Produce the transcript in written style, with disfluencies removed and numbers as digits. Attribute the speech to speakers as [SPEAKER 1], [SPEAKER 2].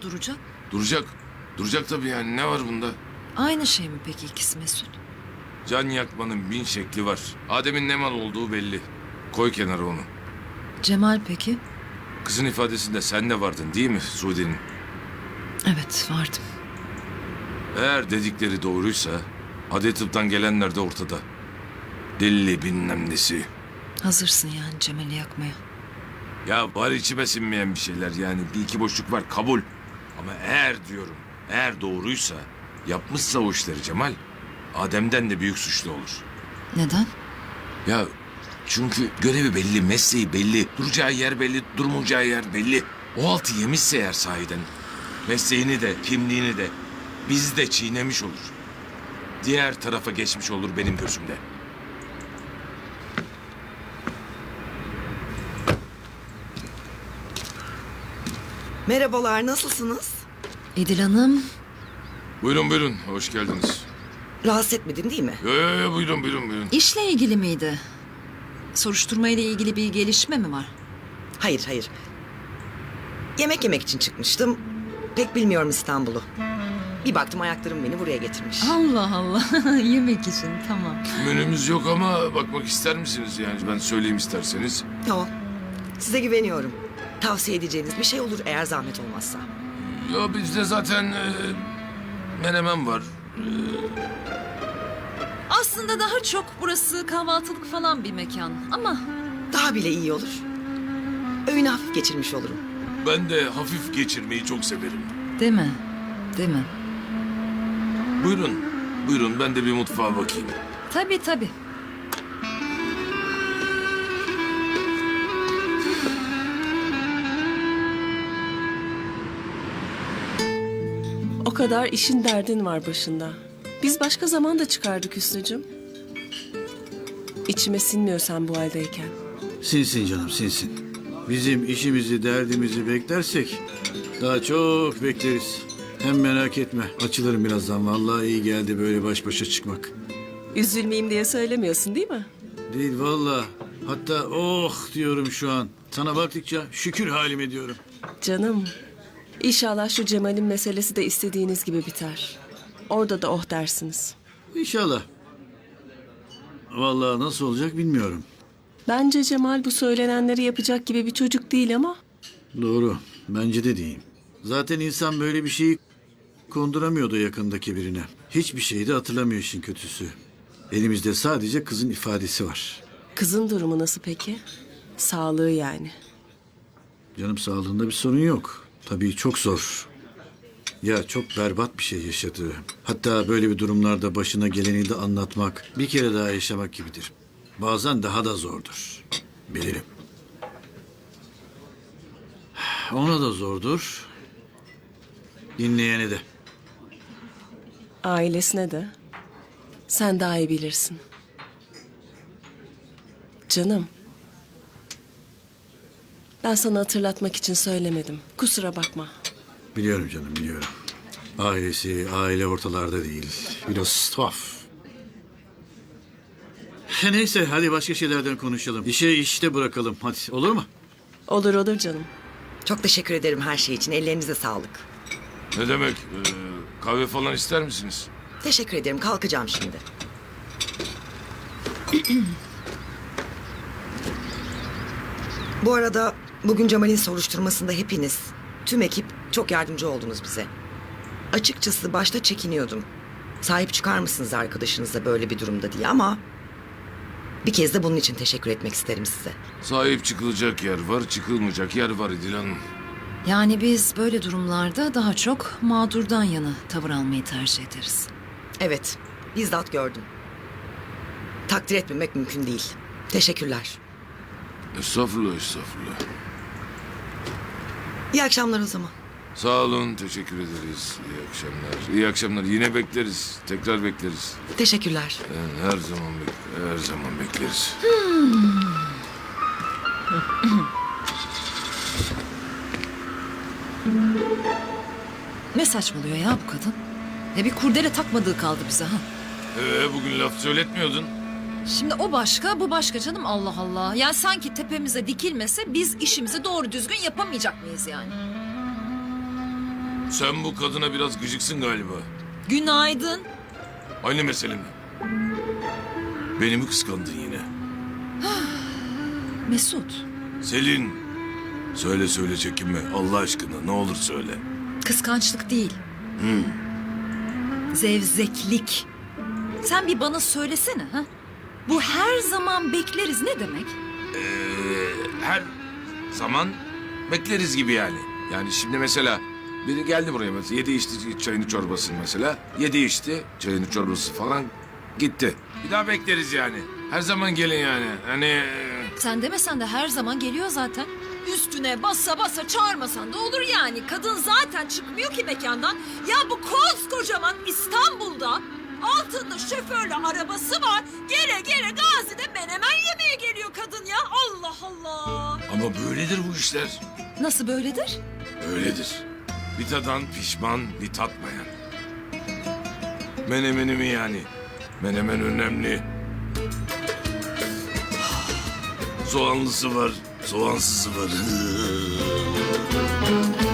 [SPEAKER 1] duracak?
[SPEAKER 2] Duracak. Duracak tabii yani. Ne var bunda?
[SPEAKER 1] Aynı şey mi peki ikisi Mesut?
[SPEAKER 2] Can yakmanın bin şekli var. Adem'in ne mal olduğu belli. Koy kenara onu.
[SPEAKER 1] Cemal peki?
[SPEAKER 2] Kızın ifadesinde sen de vardın değil mi Sude'nin?
[SPEAKER 1] Evet vardım.
[SPEAKER 2] Eğer dedikleri doğruysa adli tıptan gelenler de ortada. Deli bilmem nesi.
[SPEAKER 1] Hazırsın yani Cemal'i yakmaya.
[SPEAKER 2] Ya var içime sinmeyen bir şeyler yani. Bir iki boşluk var kabul. Ama eğer diyorum eğer doğruysa yapmışsa o işleri Cemal Adem'den de büyük suçlu olur.
[SPEAKER 1] Neden?
[SPEAKER 2] Ya çünkü görevi belli, mesleği belli, duracağı yer belli, durmayacağı yer belli. O altı yemişse eğer sahiden mesleğini de, kimliğini de bizi de çiğnemiş olur. Diğer tarafa geçmiş olur benim gözümde.
[SPEAKER 3] Merhabalar, nasılsınız?
[SPEAKER 1] İdil Hanım.
[SPEAKER 2] Buyurun buyurun, hoş geldiniz.
[SPEAKER 3] Rahatsız etmedim değil mi?
[SPEAKER 2] Yo, buyurun buyurun.
[SPEAKER 1] İşle ilgili miydi? Soruşturma ile ilgili bir gelişme mi var?
[SPEAKER 3] Hayır. Yemek yemek için çıkmıştım. Pek bilmiyorum İstanbul'u. Bir baktım ayaklarım beni buraya getirmiş.
[SPEAKER 1] Allah Allah. Yemek için tamam.
[SPEAKER 2] Menümüz yok ama bakmak ister misiniz yani ben söyleyeyim isterseniz.
[SPEAKER 3] Tamam. Size güveniyorum. Tavsiye edeceğiniz bir şey olur eğer zahmet olmazsa.
[SPEAKER 2] Ya bizde zaten menemen var.
[SPEAKER 1] Aslında daha çok burası kahvaltılık falan bir mekan ama...
[SPEAKER 3] Daha bile iyi olur. Öğünü hafif geçirmiş olurum.
[SPEAKER 2] Ben de hafif geçirmeyi çok severim.
[SPEAKER 1] Değil mi? Değil mi?
[SPEAKER 2] Buyurun ben de bir mutfağa bakayım.
[SPEAKER 1] Tabii.
[SPEAKER 4] O kadar işin derdin var başında. Biz başka zaman da çıkardık Hüsnü'cüm. İçime sinmiyor sen bu haldeyken.
[SPEAKER 5] Sinsin canım sinsin. Bizim işimizi derdimizi beklersek daha çok bekleriz. Hem merak etme açılırım birazdan. Vallahi iyi geldi böyle baş başa çıkmak.
[SPEAKER 4] Üzülmeyeyim diye söylemiyorsun değil mi?
[SPEAKER 5] Değil vallahi. Hatta oh diyorum şu an. Sana baktıkça şükür halime diyorum.
[SPEAKER 4] Canım, İnşallah şu Cemal'in meselesi de istediğiniz gibi biter. Orada da oh dersiniz.
[SPEAKER 5] İnşallah. Vallahi nasıl olacak bilmiyorum.
[SPEAKER 4] Bence Cemal bu söylenenleri yapacak gibi bir çocuk değil ama...
[SPEAKER 5] Doğru. Bence de değil. Zaten insan böyle bir şeyi konduramıyordu yakındaki birine. Hiçbir şeyi de hatırlamıyor işin kötüsü. Elimizde sadece kızın ifadesi var.
[SPEAKER 4] Kızın durumu nasıl peki? Sağlığı yani.
[SPEAKER 5] Canım sağlığında bir sorun yok. Tabii çok zor. Ya çok berbat bir şey yaşadı. Hatta böyle bir durumlarda başına geleni de anlatmak, bir kere daha yaşamak gibidir. Bazen daha da zordur. Bilirim. Ona da zordur. Dinleyene de.
[SPEAKER 4] Ailesine de. Sen daha iyi bilirsin. Canım. Ben sana hatırlatmak için söylemedim. Kusura bakma.
[SPEAKER 5] Biliyorum canım biliyorum. Aile ortalarda değil. Biraz tuhaf. Neyse hadi başka şeylerden konuşalım. İşe işte bırakalım hadi olur mu?
[SPEAKER 4] Olur canım.
[SPEAKER 3] Çok teşekkür ederim her şey için. Ellerinize sağlık.
[SPEAKER 2] Ne demek? Kahve falan ister misiniz?
[SPEAKER 3] Teşekkür ederim. Kalkacağım şimdi. Bu arada bugün Cemal'in soruşturmasında hepiniz, tüm ekip çok yardımcı oldunuz bize. Açıkçası başta çekiniyordum. Sahip çıkar mısınız arkadaşınıza böyle bir durumda diye ama... Bir kez de bunun için teşekkür etmek isterim size.
[SPEAKER 2] Sahip çıkılacak yer var, çıkılmayacak yer var İdil Hanım.
[SPEAKER 1] Yani biz böyle durumlarda daha çok mağdurdan yana tavır almayı tercih ederiz.
[SPEAKER 3] Evet, bizzat gördüm. Takdir etmemek mümkün değil. Teşekkürler.
[SPEAKER 2] Estağfurullah.
[SPEAKER 3] İyi akşamlar o zaman.
[SPEAKER 2] Sağ olun, teşekkür ederiz. İyi akşamlar. İyi akşamlar. Yine bekleriz. Tekrar bekleriz.
[SPEAKER 3] Teşekkürler.
[SPEAKER 2] Yani her zaman bekleriz.
[SPEAKER 1] Ne saçmalıyor ya bu kadın? Ya bir kurdele takmadığı kaldı bize ha.
[SPEAKER 2] Bugün laf söyletmiyordun.
[SPEAKER 1] Şimdi o başka, bu başka canım Allah Allah. Ya sanki tepemize dikilmese biz işimizi doğru düzgün yapamayacak mıyız yani?
[SPEAKER 2] Sen bu kadına biraz gıcıksın galiba.
[SPEAKER 1] Günaydın.
[SPEAKER 2] Aynı mesele mi? Beni mi kıskandın yine?
[SPEAKER 1] Mesut,
[SPEAKER 2] Selin. Söyle çekinme. Allah aşkına ne olur söyle.
[SPEAKER 1] kıskançlık değil. Zevzeklik. Sen bir bana söylesene ha? Bu her zaman bekleriz ne demek?
[SPEAKER 2] Her zaman bekleriz gibi yani. Yani şimdi mesela biri geldi buraya mesela. Yedi içti çayını çorbasını mesela. Yedi içti çayını çorbası falan gitti. Bir daha bekleriz yani. Her zaman gelin yani. Hani
[SPEAKER 1] Sen demesen de her zaman geliyor zaten. Üstüne basa basa çağırmasan da olur yani. Kadın zaten çıkmıyor ki mekandan. Ya bu koskocaman İstanbul'da altında şoförlü arabası var. Gele gele Gazi'de menemen yemeye geliyor kadın ya. Allah Allah.
[SPEAKER 2] ama böyledir bu işler.
[SPEAKER 1] Nasıl böyledir?
[SPEAKER 2] Öyledir. Bir tadan pişman, bir tatmayan. Menemeni mi yani? Menemen önemli. Soğanlısı var, soğansızı var.